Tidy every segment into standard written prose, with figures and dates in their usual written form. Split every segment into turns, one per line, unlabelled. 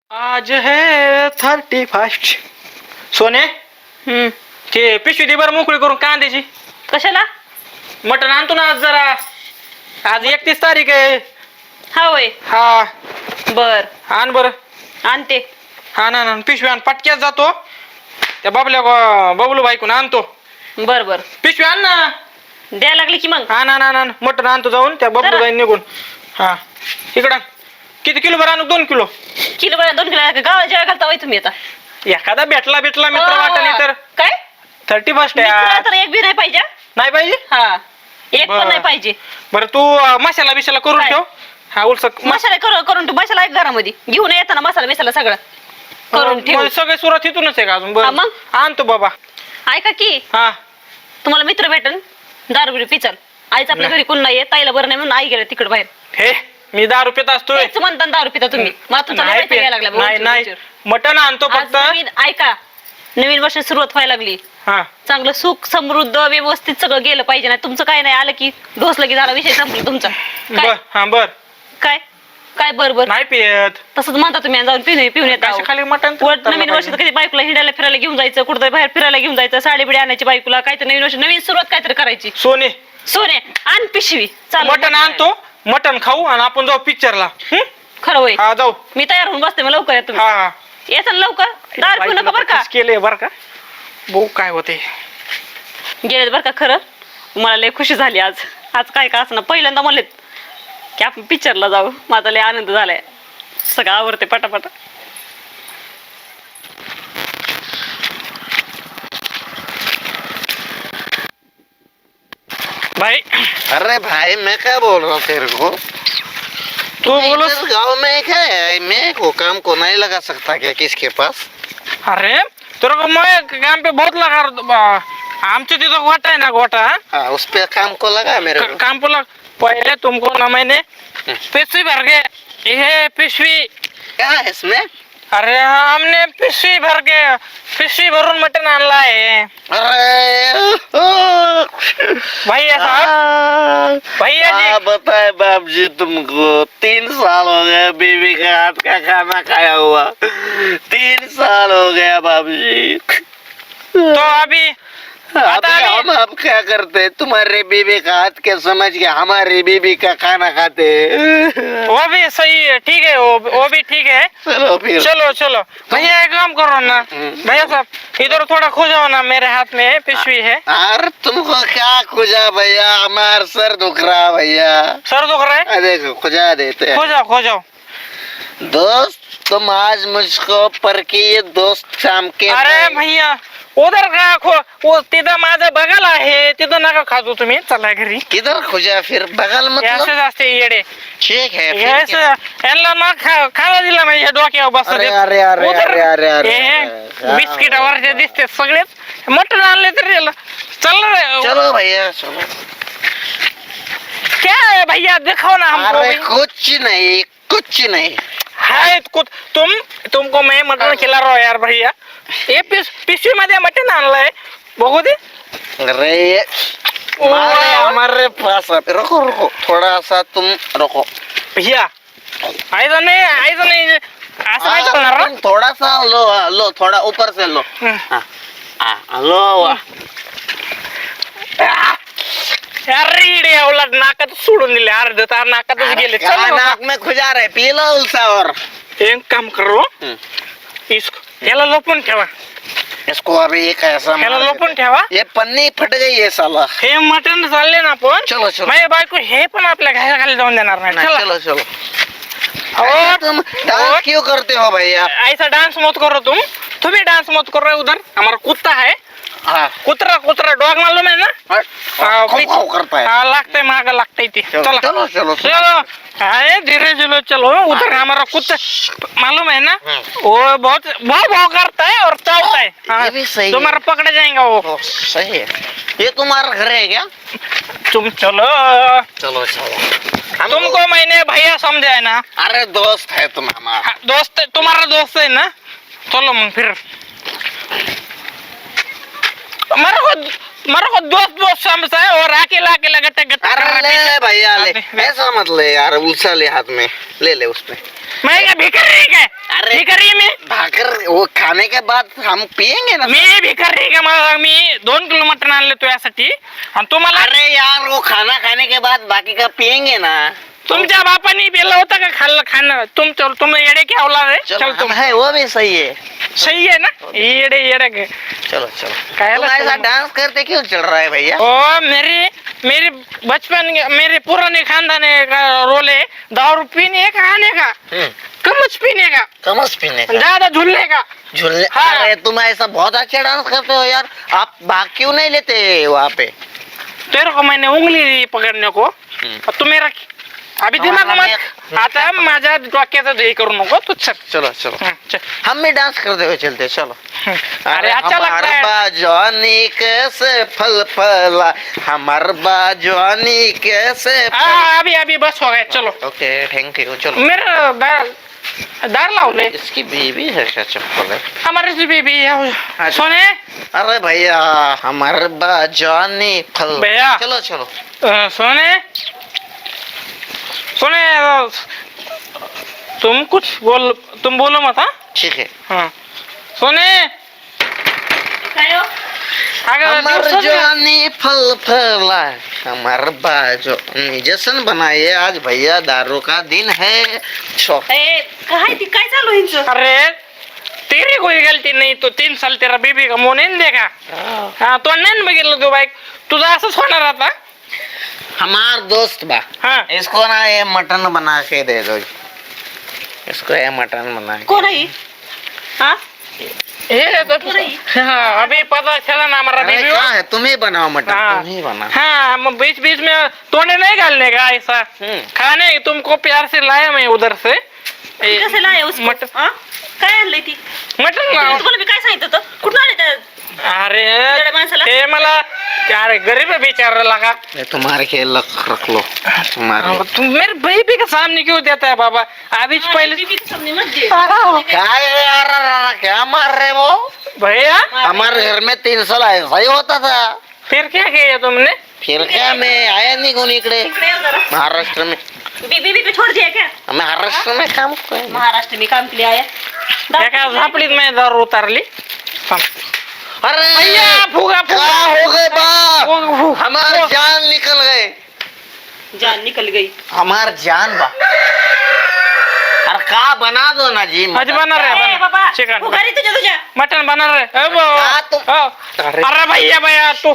आज है 31. सोने ते पिशवी दे बरं मोकळी करून कांद्याची.
कशाला?
मटण आणतो ना आज जरा. आज 31 तारीख आहे.
हा होय.
हा
बर
आण बरं.
आणते.
हा ना पिशवी आण. पटक्यात जातो त्या बबलू बाईकून आणतो.
बर बर
पिशवी आण ना.
द्यायला लागले की मग.
ना मटण आणतो जाऊन त्या बबलू बाई निघून. हा इकडं किती किलो बरं आणू? 2 किलो.
किलो बरं 2 किलो गावाला जेव्हा घालता होय तुम्ही आता.
एखादा भेटला मित्र वाटणी तर.
काय
31
मित्र
आहे.
तर एक बी नाही पाहिजे.
नाही पाहिजे.
हा एक
बरं.
पण नाही पाहिजे.
बरं तू मसाला बिशाला करून
काय?
ठेव. हा उलसक
मसाला करून तू मसाला एक घरामध्ये घेऊन येताना मसाला बिसाला सगळं करून ठेव.
सगळे सुरुवात इथूनच आहे का अजून?
हा,
बरं
मग?
आणतो बाबा.
ऐका की
हा
तुम्हाला मित्र भेटन दारू बिरू पिचल. आईच आपल्या घरी कोण नाहीये, ताईला बरं नाही म्हणून आई गेल्या तिकडे बाहेर.
हे मी दारू पित असतोय.
तेच म्हणता ना दारू पिता तुम्ही. मला तुमचा
नाही
लय घ्यायला लागला.
नाही नाही मटण आणतो
आज
फक्त.
ऐका नवीन वर्ष सुरुवात व्हायला लागली.
हा
चांगलं सुख समृद्ध व्यवस्थित सगळं गेलं पाहिजे. नाही तुमचं काय नाही आलं की ढोसलं की झाला विषय संपला तुमचा.
बर हा बर
काय काय बरोबर
नाही पियत.
तसंच म्हणता तुम्ही. जाऊन पिऊन येता.
अशा खाली मटण
नवीन वर्षात कधी बायकोला हिंडायला फिरायला घेऊन जायचं, कुठं बाहेर फिरायला घेऊन जायचं, साडी बिडी आणायची बायकोला. काय तर नवीन वर्ष नवीन सुरुवात काहीतरी करायची.
सोने
सोने आण पिशवी. चालेल
मटण आणतो. मटण खाऊ आणि आपण जाऊ पिक्चरला.
खरं होय.
हा जाऊ.
मी तयार होऊन बसते. मग लवकर या तुम्ही.
हा
येता ना लवकर. दार पिऊ नका बरं का.
केले बर का. भाऊ काय होते
गेलेत बरं का. खरं मला लय खुशी झाली आज. आज काय का असं पहिल्यांदा म्हणलेत की आपण पिक्चरला जाऊ. माझा लय आनंद झालाय. सगळं आवडते पटापटा.
भाई.
अरे भाई मैं क्या बोल रहा हूँ तेरे को?
तू बोलो.
इधर गाँव में क्या है? मैं को काम को नहीं लगा सकता क्या किसके पास?
अरे तेरे को मैं काम पे बहुत लगा. आमचे तिथं गोटा है ना गोटा.
हाँ उस पे काम को लगा मेरे को.
काम पे लग. पहले तुमको ना मैंने पिशवी भर के ये पिशवी.
क्या है इसमें?
अरे हमने पिशवी भरून मटन आणला है.
अरे
भैया साहब. भैया जी
क्या बताए बाप जी तुमको? 3 साल हो गए बीवी के हाथ का खाना खाया हुआ. 3 साल हो गया बाप जी.
तो अभी
अभी हम अब क्या करते? तुम्हारे बीवी का हाथ के समझ के हमारी बीवी का खाना खाते.
वो भी सही है. ठीक है वो भी ठीक है.
चलो फिर.
चलो भैया एक काम करो ना. भैया साहब इधर थोड़ा खो जाओ ना. मेरे हाथ में पिशवी है.
यार तुमको क्या खुजा भैया? हमार सर दुख रहा भैया.
सर दुख रहा है.
देखो खुजा देते हैं.
खो जाओ.
दोस्त तुम आज मुझको परकीय दोस्त शाम के.
अरे भैया उधर का वो तिथं माझं बघाल आहे. तिथं नका खाजू तुम्ही. चला घरी.
किधर खुजा फिर? बगल मतलब.
असंच असते येडे.
ठीक है फिर क्या?
यांना ना खायला दिला म्हणजे डोक्यावर बसत.
अरे अरे अरे अरे अरे अरे
बिस्किटावरचे दिसते सगळेच. मटण आणले तरी चल रे.
चलो भैया चलो.
क्या है भैया दिखाओ ना हमको.
अरे कुछ नहीं.
हाय तुमको मैं मटन खिला रहा हूँ यार भैया. ये पिशवी मध्ये मटन आणलंय. बघू दे.
अरे हमारे पास रुको थोड़ा सा तुम रुको
भैया. ऐसा नहीं असं नाही चालणार ना.
तुम थोड़ा सा लो थोड़ा ऊपर से लो. लो
अरे इडे उलट नाकात सोडून दिले. अर्ध तार नाकातच गेले.
क्या नाक में खुजा रहे? पी लो उल्सा. और
एक काम करो याला लपून ठेवा.
इसको अभी एक ऐसा
याला लपून ठेवा.
ये पन्नी फट गई है साला.
हे मटण चालले ना आपण.
चलो
माझ्या बायको हे पण आपल्या घराखाली जाऊन देणार नाही. चला.
चलो
और
तुम डांस क्यों करते हो भैया?
ऐसा डांस मत करो तुम्ही डांस मत करो. उधर हमारा कुत्ता है.
हाँ
कुत्रा डॉग मालूम है ना.
खाओ करता है.
हाँ लगता है मांगा लगता है.
चलो
चलो अरे धीरे चलो. उधर हमारा कुत्ता मालूम है ना. वो बहुत भाव करता है और चावता है.
ये भी सही है.
तुम्हारा पकड़ा जाएगा वो.
सही है. ये तुम्हारा घर है क्या?
तुम चलो. तुमको मैंने भैया समझा है ना.
अरे दोस्त है तुम हमारा.
दोस्त तुम्हारा दोस्त है ना. चलो मग फिर. मेरे को दोस्त समझता है और अकेला गट्टा.
अरे ले भैया ले. ऐसा मत ले यार. उल्सा ले हाथ में ले उसमें.
मैं क्या भिखारी क्या?
अरे
भिखारी
वो खाने के बाद हम पियेंगे ना.
मी भिकारी का मला मी 2 किलो मटण आणले तुझ्यासाठी आणि तुम्हाला
अरे यार वो खाना खाने के बाद बाकी का पियेंगे ना.
तुमच्या बापानी पेलं होतं का खाणं तुम येडे क्या औलाद है चल तुम
है वो भी सही है.
सही है ना येडे येडे के
चलो चलो.
काय
तुम ऐसा डांस करते क्यों चल रहा है भैया.
ओ मेरी बचपन मेरे पुराने खानदान का रोल है दारू पीने का आने का कमच पीने का
कमस पीने का.
ज्यादा झूलने का
झूलने.
हाँ.
अरे तुम ऐसा बहुत अच्छा डांस करते हो यार. आप भाग क्यों नहीं लेते वहाँ पे.
तेरे को मैंने उंगली दी पकड़ने को और तू मेरा अभी दिमाग मत आता माझ्या डोक्याचं हे करू नको तू चल
चलो चलो.
चल
हम भी डांस करते हुए चलते. चलो.
अरे अच्छा लगता है
बाजवानी कैसे फल फला. हमार बाजवानी कैसे
हाँ अभी बस हो गया चलो
ओके थैंक यू. चलो.
मेरा दार लावले
इसकी बीवी है क्या चप्पल है.
हमारे से बेबी सोने
अरे भैया हमार बाजवानी फल.
भैया.
चलो चलो.
सोने तुम बोलो मत हाँ
ठीक है.
हाँ सोने
काय हो?
अगर
हमार
दिवसात-
जवानी फल फला. हमार बाजवानी जश्न बनाइए आज भैया दारू का दिन है. शौक.
ए, काय चालू आहे हिचं?
अरे तेरी कोई गलती नहीं तो 3 साल तेरा बेबी का मुंह नहीं देखा हाँ तो नहीं बघितलं तू बाईक तुझा असंच होणार आता
हमार दोस्त बा.
हाँ
इसको ना ये मटन बना के दे दो. इसको ये मटन बना के.
कोण आहे ही? हा
ये तो हाँ अभी पता चला ना हमारा
अरे
बेबी
क्या है तुम ही बनाओ मटन.
हाँ
तुम ही बना.
हाँ बीच बीच में तोड़ने नहीं डालने का ऐसा खाने तुमको प्यार से लाया मैं उधर से
ती कसं लाय उसको?
मटन
हा? काय आणलंय ती
मटन
तुम्हाला मी काय सांगितलं होतं कुठून आले त्या
अरे
बिचाऱ्या माणसाला?
ते मला अरे गरीब है बेचारा लगा
ये तुम्हारे खेल रख लो. तुम्हारे
तुम मेरे बेबी के सामने क्यों देता है बाबा अभी पहले
बीबीच्या सामने मत दे.
क्या है यार क्या मार रहे वो.
भैया
हमारे घर में 3 साल ऐसा ही होता था.
फिर क्या किया तुमने
फिर क्या मैं आया नहीं कोणी इकडे
इकडे ये जरा.
महाराष्ट्र में.
बीबी पे छोड़ दिया क्या?
महाराष्ट्र में काम कर.
महाराष्ट्र में काम के लिए आया.
क्या झापडीत मैं दारू उतारली
अरे
भैया फुगा
क्या
फुगा
हो गए बा.
फुगा
हमार जान निकल गए.
जान निकल गई.
हमार जान बा. अरे का बना दो ना जी.
आज बना
ए
रहे
बाबा
चिकन
उगारी तुझ्या
मटन बना रहे
क्या तुम-
अरे भैया तू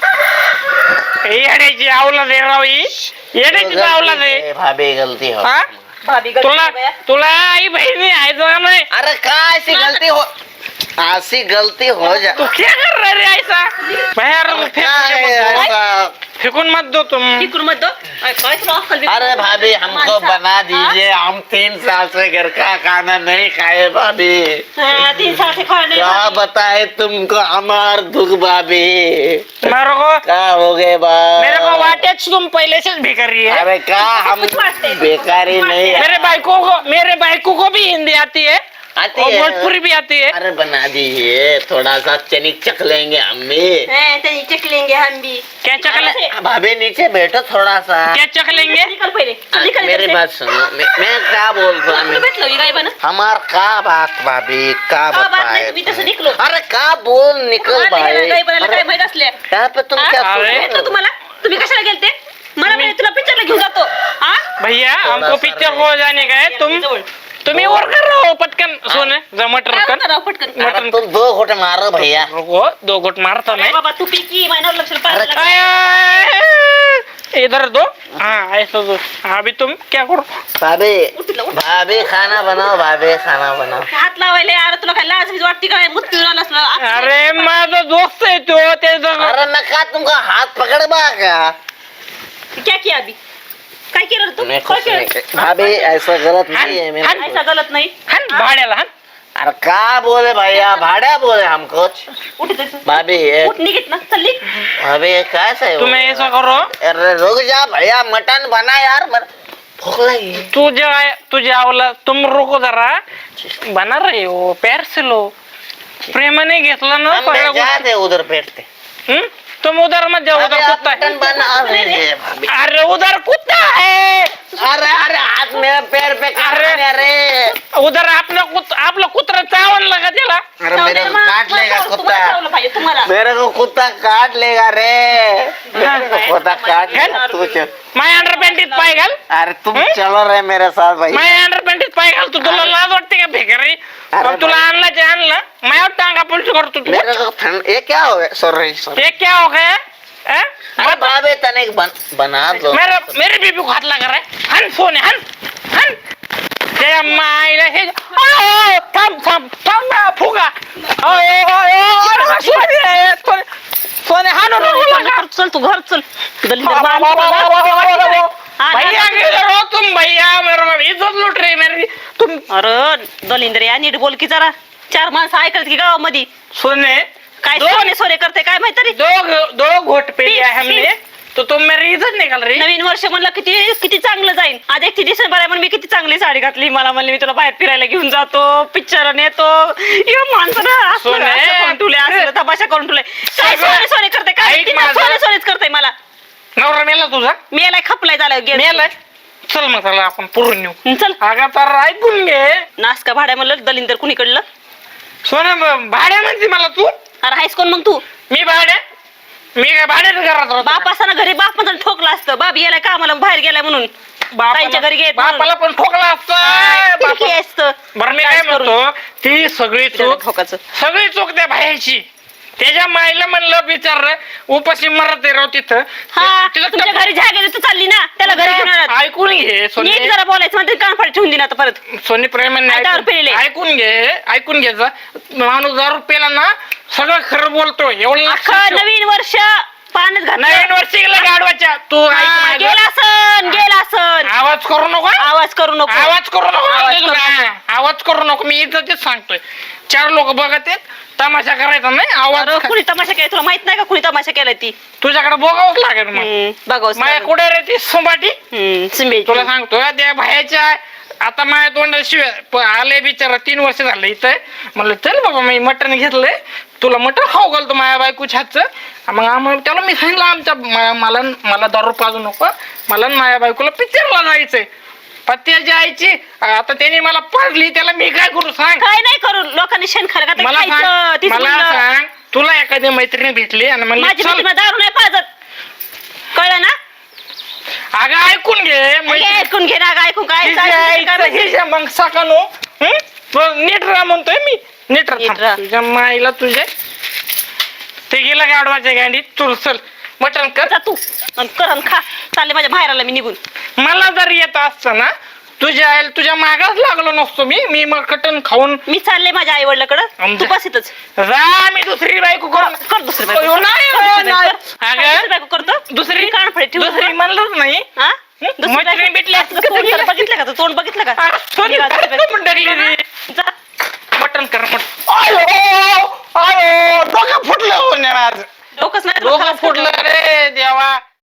येड्याची आवलाद आहे राव ही येड्याची आवलाद आहे
गलती से भाभी गलती हो.
हा?
भाभी
तुला आई बहिणी आहे का नाही
अरे का ऐसी गलती हो. ऐसी गलती हो जा.
तू क्या कर रहा रे ऐसा भैया
क्या है ऐसा.
फेकून मत दो तुम
इकडून मत दो. काय तुला अक्कल बिक्कल?
अरे भाभी हमको बना दीजिए. हम 3 साल से घर का खाना नहीं खाए भाभी.
हा, 3 साल से खाने
क्या बताए तुमको हमार दुख भाभी.
मेरे को
क्या हो गए बा.
मेरे को वाटेच तुम पहले से भिखारी है
अरे क्या हम
कुछ बांटते हैं.
बेकारी नहीं है.
मेरे बाइको को भी हिंदी आती है
आती
और
है.
भोजपुरी भी आती है
अरे बना दीजिए थोड़ा सा चनिक चख लेंगे हम भी.
त्यांनी चक लेंगे हम भी.
क्या चकले
भाभी नीचे बैठो थोड़ा सा.
क्या चख लेंगे
निकल पहिले. चल, निकल
मेरी
इधर से.
बात सुनो. मैं क्या बोल रहा
तुला
हूँ.
भेटलं ही काय बन
हमार का बात भाभी का
बात
बताए
नाही मी तसं निकलो.
अरे का बोल निकल भाई.
काय बनायला काय
अरे,
माहित असल्या
यहाँ पे तुम क्या
अरे,
सोच
भेटलं
रहे हो?
तुम्हाला तुम्ही कशाला गेलते मला म्हणे तुला पिक्चरला घेऊन जातो. हा
भैया हमको
सा
पिक्चर को जाने का है तुम्ही और कर रहे हो पटकन सोने जा मटर
काय
कर
करावं पटकन.
अरे तुम 2 घोटे मारो भैया.
रुको 2 घुट मारता
अरे
मैं
बाबा तू पिकी महिन्यावर लक्ष
अरे,
इधर दो हाँ ऐसा दो अभी तुम क्या करो
भाभी
उठलं, उठ.
भाभी खाना बनाओ. भाभी खाना बनाओ.
हात लावायले अरे तुला काय लाज बीज वाटते काय मुत पिवळा असला.
अरे माझा दोस्त आहे तो त्याचं
अरे मैं का तुमको हाथ पकड़ बा क्या.
क्या किया अभी काय केलं रे तू
मैं
काय
कुछ नहीं
केलं?
भाभी ऐसा गलत नहीं है मेरे.
ऐसा गलत नाही.
हान भाड्याला हान
अरे का बोले भैया भाड़ा बोले हमको.
उठ इधर.
भाभी
उठ निघित ना चल.
भाभी कैसे हो.
तुम्ही ऐसा करो
अरे रुक जा भैया मटन बना यार. भूख लगी.
तुझे आवला तुम रुको जरा बना रहे हो प्यार से लो प्रेमाने घेतला ना
हम
पहिला
जाते उधर बैठते.
तुम उधर मत जाओ उधर
भाभी, आप
कुत्ता है
मटन बना दीजिए भाभी.
अरे उधर कुत्ता है
अरे अरे हाथ मेरे पैर पे
अरे.
अरे
उधर आपलं कुत्रा चावण लगा
मेरे को काट लेगा कुत्ता
तुम्हाला पाहिजे तुम्हाला
मेरे को कुत्ता काट लेगा रे मेरे को कुत्ता काट लेगा तू चल
माय अंडरपॅन्टीत पाय घाल
अरे तुम चलो रे मेरे साथ भाई
माय अंडरपॅन्टीत पाय घाल तू तुला लाज वाटते का भिकारी
अरे
तुला आणलं ते आणलं माझ्यावर टांगा पुलची करतो तू
मेरे को ठंड ये क्या हो गया सॉरी सॉरी
ये क्या हो गया हैं?
अरे बाबे तने बना दो
मेरे बीबी को हात लागा रे हन फोन आहे हन हन त्या मायला हे थांब ना फुगा सोने हाणू नको लागा.
चल तू घर चल
भैया गेले रो तुम भैया मेरे इज्जत लुट रही मेरी तुम
अरे दलिंदर या नीट बोल की जरा 4 माणसं ऐकत की गावामध्ये
सुने
काय सोने सोने करते काय माहिती रे
दो घोट पे लिया है हमने तो तुम मेरी इज्जत निकाल रही
नवीन वर्ष म्हणलं किती किती चांगलं जाईल आज 31 डिसेंबर आहे म्हणून मी किती चांगली साडी घातली मला म्हणले मी तुला बाहेर फिरायला घेऊन जातो पिक्चर नेतो या माणसानं
सोने.
असलं तमाशा करून तुले काय सोने सोने करते काय
ऐक
किती
माझं.
सोने सोनेच करते मला
नवरा मेला तुझा
मी याला खपलाय झालं गेलं
मेलाय चल मग चला आपण पुरून नेऊ
चल
अगं तर ऐकून घे
नास का भाड्या म्हणलं दलिंदर कुणीकडलं
सोना भाड्या म्हणते मला तू
अरे हायस कोण मग तू
मी भाड्या मी काय भाड्याच घरात राहतो
बाप असताना घरी बाप पण ठोकला असतं बाप गेलाय कामाला बाहेर गेलाय म्हणून ताईंच्या घरी गेले
बापाला पण ठोकला असतं
असतं
बरं मी काय म्हणतो ती सगळी चूक
ठोकाचं
सगळी चूक त्या बाहेरची त्याच्या माईला म्हणलं विचार उपाशी मरत आहे राव तिथं
हा
तिला
तुमच्या घरी ज्या गेली तू चालली ना त्याला घरी घेऊन आलात.
ऐकून घे
नीट
सोनी
जरा बोलायचं म्हणते कानफाट ठेवून देईन आता परत
सोनी प्रेमाने
आता दारू पिलेले.
ऐकून घ्यायचं माणूस दारू पेला ना सगळं खरं बोलतो एवढं
अख्खं
लक्षात ठेव.
नवीन वर्ष पाण्यात घातलं
नवीन वर्षी गेलं गाडवाच्या तू ऐक
हा,
माझं.
गेला सन
आवाज करू नको
आवाज करू नको
आवाज करू नको
आवाज
म्हणते तुला. आवाज करू नको मी इज्जतीच सांगतोय 4 लोक बघत आहेत तमाशा करायचा नाही आवाज
अरे, कुणी तमाशा केला तुला माहित नाही का कुणी तमाशा केलाय ती
तुझ्याकडे बघावंच लागेल मग
बघावस
माझ्या कुठे रे ती सुंबाटी
सिंबे
तुला सांगतो त्या भायाच्या आता माझ्या तोंडाशिवाय आले बिचारा 3 वर्ष झालं इथं म्हणलं चल बाबा मी मटण घेतलंय तुला मटण खाऊ घालतो माझ्या बायकोच्या हातचं मग आम्हाला त्याला मी सांगितलं आमच्या मला दारू पाजू नको मला आणि माझ्या बायकोला पिक्चरला जायचंय पत्त्याची आईची आता त्याने मला पाजली त्याला मी काय करू सांग
काय नाही करू लोकांनी शेण खरं
मला सांग तुला एखादी मैत्रिणी भेटली आणि
माझी
म्हणली चल
मैत्रीण दारू नाही पाजत कळलं ना
अगं ऐकून घे
ऐकून घे ना ऐकून काय
मग सकाळू नीट राहा म्हणतोय मी नीट
नीट
राहा
राहा.
तुझ्या माईला तुझे ते गेला गाडवाच्या गांडीत तू चल मटण कर
जा तू आणि कर आणि खा चालले माझ्या बाहेरला मी निघून
मला जर येत असतं ना तुझ्या मागाच लागलो नसतो मी मग कटन खाऊन
मी चालले माझ्या आई वडिलाकडं तू बस इथंच
जा मी दुसरी बायको
कर दुसरी
अयो,
बायको.
नाही,
कर दुसरी
नाही.
बायको.
अगं,
दुसरी बायको करतो
दुसरी
कानफडे ठेवू
दुसरी म्हणलंच नाही
हा? दुसरी
मैत्रीण
बायको-
भेटली असती
तुझं
तर
तोंड
गेली.
तर बघितलं का तू तोंड बघितलं का
सोनी,
निघा दुसरी बायको.
पण टाकली रे.
जा.
मटण कर मटण आयो डोकं फुटलं हो ने माझं
डोकंच नाही
डोकं फुटलं रे देवा